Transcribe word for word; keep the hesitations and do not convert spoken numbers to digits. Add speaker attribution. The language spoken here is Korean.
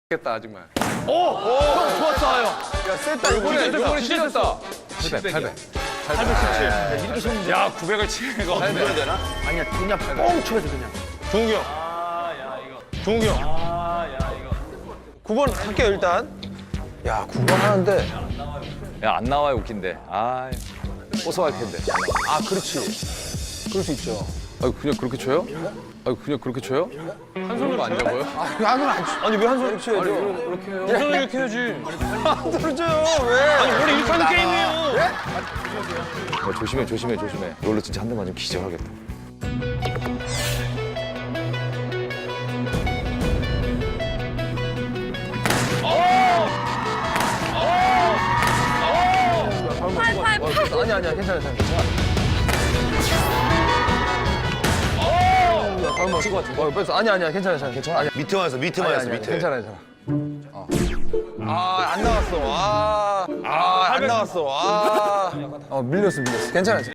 Speaker 1: 겠다 정말.
Speaker 2: 오! 오! 형 좋았어요.
Speaker 1: 야 셌다 이번에 이번에 진짜 셌다. 팔백 팔백.
Speaker 2: 팔백십칠. 이렇게 쉬운 문제.
Speaker 1: 야 구백을 치는 거.
Speaker 2: 팔백 되나? 아니야 그냥 뻥 쳐야 돼 그냥.
Speaker 1: 종욱이 형.
Speaker 3: 아야 이거.
Speaker 1: 종욱이 형.
Speaker 3: 아야 이거.
Speaker 1: 구 번 할게요 일단. 야 구 번 하는데.
Speaker 4: 야 안 나와요 웃긴데. 아 고소할 텐데.
Speaker 1: 아 그렇지. 그럴 수 있죠. 아 그냥 그렇게 쳐요? 아 그냥 그렇게 쳐요? 한 손으로 안 잡아요? 아니 왜 한 손으로 쳐야죠? 아니 이렇게 해요.
Speaker 2: 한 손으로 이렇게 해야지.
Speaker 1: 한 손으로 쳐요 왜?
Speaker 2: 아니 원래 이렇게 하는 게임이에요.
Speaker 4: 야, 조심해 조심해 조심해. 이걸로 진짜 한 대 맞으면 기절하겠다.
Speaker 1: 아니 아니야 괜찮아 괜찮아. 한번 치고 같은 거. 뺐어. 아니 아니야 괜찮아 괜찮아. 괜찮아. 아니야.
Speaker 5: 밑에만 했어, 밑에만
Speaker 1: 아니,
Speaker 5: 했어,
Speaker 1: 아니야.
Speaker 5: 밑에.
Speaker 1: 괜찮아 괜찮아. 어. 아안 나왔어. 아, 아, 안 나왔어. 아. 어 밀렸어 밀렸어. 괜찮아.